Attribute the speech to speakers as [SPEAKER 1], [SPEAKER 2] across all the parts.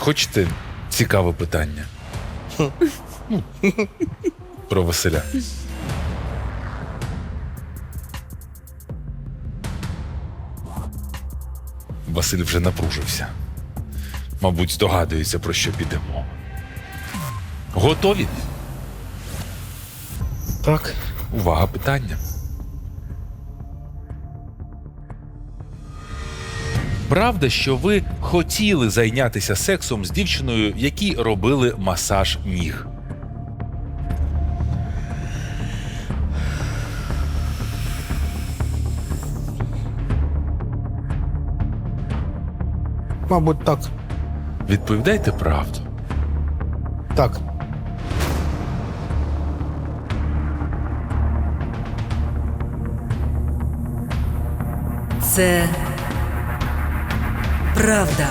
[SPEAKER 1] Хочете цікаве питання? Про Василя. Василь вже напружився. Мабуть, здогадується, про що піде мова. Готові?
[SPEAKER 2] Так.
[SPEAKER 1] Увага, питання. Правда, що ви хотіли зайнятися сексом з дівчиною, якій робили масаж ніг?
[SPEAKER 2] Мабуть, так.
[SPEAKER 1] Відповідайте правду.
[SPEAKER 2] Так.
[SPEAKER 3] Це правда.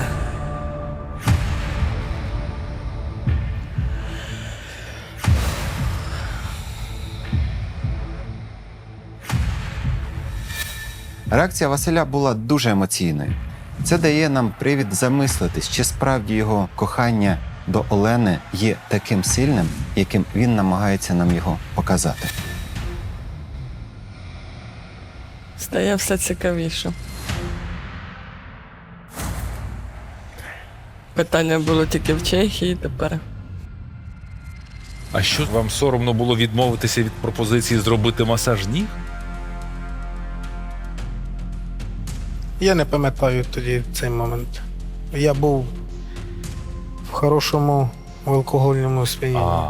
[SPEAKER 4] Реакція Василя була дуже емоційною. Це дає нам привід замислитись, чи справді його кохання до Олени є таким сильним, яким він намагається нам його показати.
[SPEAKER 5] Стає все цікавіше. Питання було тільки в Чехії тепер.
[SPEAKER 1] А що, вам соромно було відмовитися від пропозиції зробити масаж ніг?
[SPEAKER 2] Я не пам'ятаю тоді цей момент. Я був в хорошому алкогольному сп'янінні.
[SPEAKER 1] А,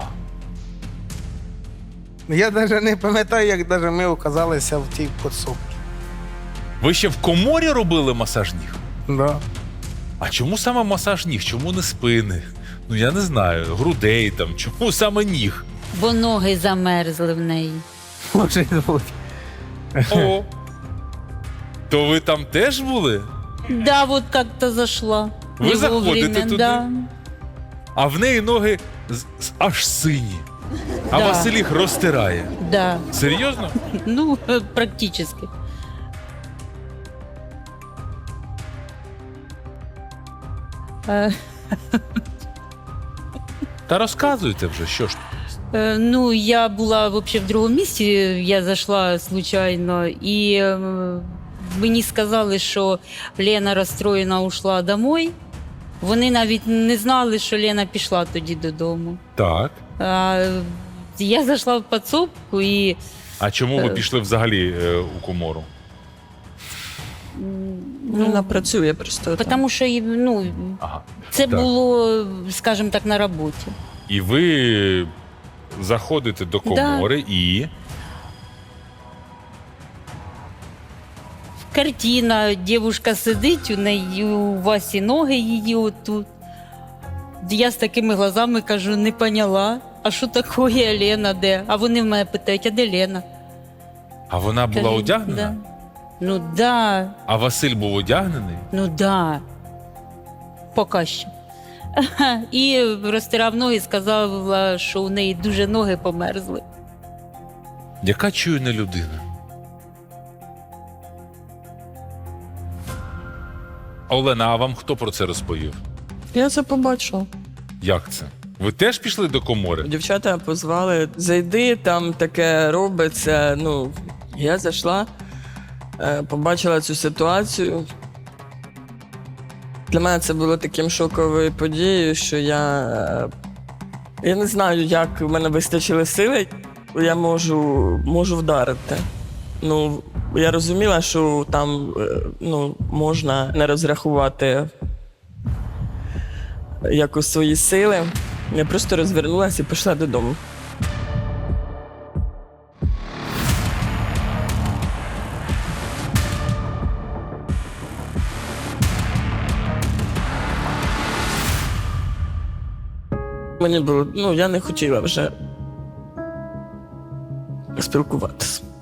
[SPEAKER 2] Я навіть не пам'ятаю, як даже ми оказалися в тій підсобці.
[SPEAKER 1] ви ще в коморі робили масаж ніг?
[SPEAKER 2] Да.
[SPEAKER 1] А чому саме масаж ніг? Чому не спини? Ну, я не знаю, грудей там. Чому саме ніг?
[SPEAKER 6] Бо ноги замерзли в неї.
[SPEAKER 2] Може бути.
[SPEAKER 1] О! То ви там теж були?
[SPEAKER 6] Да, вот как-то зашла.
[SPEAKER 1] Ви
[SPEAKER 6] Не
[SPEAKER 1] заходите
[SPEAKER 6] вовремя,
[SPEAKER 1] туди?
[SPEAKER 6] Да.
[SPEAKER 1] А в неї ноги аж сині. А
[SPEAKER 6] Да.
[SPEAKER 1] Василь їх розтирає.
[SPEAKER 6] Да.
[SPEAKER 1] Серйозно?
[SPEAKER 6] Ну, практически.
[SPEAKER 1] Та розказуйте вже, що ж.
[SPEAKER 6] Ну, я була вообще в другому місці, я зайшла случайно, і мені сказали, що Лена розстроєна ушла домой. Вони навіть не знали, що Лена пішла тоді додому.
[SPEAKER 1] Так.
[SPEAKER 6] Я зайшла в підсобку і
[SPEAKER 1] А чому ви пішли взагалі у комору?
[SPEAKER 5] Ну, вона працює просто там.
[SPEAKER 6] тому що ну,
[SPEAKER 1] Ага.
[SPEAKER 6] це
[SPEAKER 1] Так.
[SPEAKER 6] було, скажімо так, на роботі.
[SPEAKER 1] І ви заходите до комори і.
[SPEAKER 6] Картина, дівчинка сидить, у неї у Васі ноги її отут. Я з такими глазами кажу, не поняла, а що таке Лена, де? А вони в мене питають, а де Лена?
[SPEAKER 1] А вона була
[SPEAKER 6] Кажу,
[SPEAKER 1] одягнена?
[SPEAKER 6] Да. Ну да,
[SPEAKER 1] А Василь був одягнений?
[SPEAKER 6] ну да. Поки що. І розтирав ноги і сказала, що у неї дуже ноги померзли.
[SPEAKER 1] Яка чуйна людина? Олена, а вам хто про це розповів?
[SPEAKER 5] Я це побачила.
[SPEAKER 1] Як це? Ви теж пішли до комори?
[SPEAKER 5] Дівчата позвали, зайди, там таке робиться. Ну, я зайшла, побачила цю ситуацію. Для мене це було таким шоковою подією, що я не знаю, як в мене вистачило сили, я можу вдарити. Ну, я розуміла, що там можна не розрахувати якось свої сили. Я просто розвернулася і пішла додому. Мені було, я не хотіла вже спілкуватися.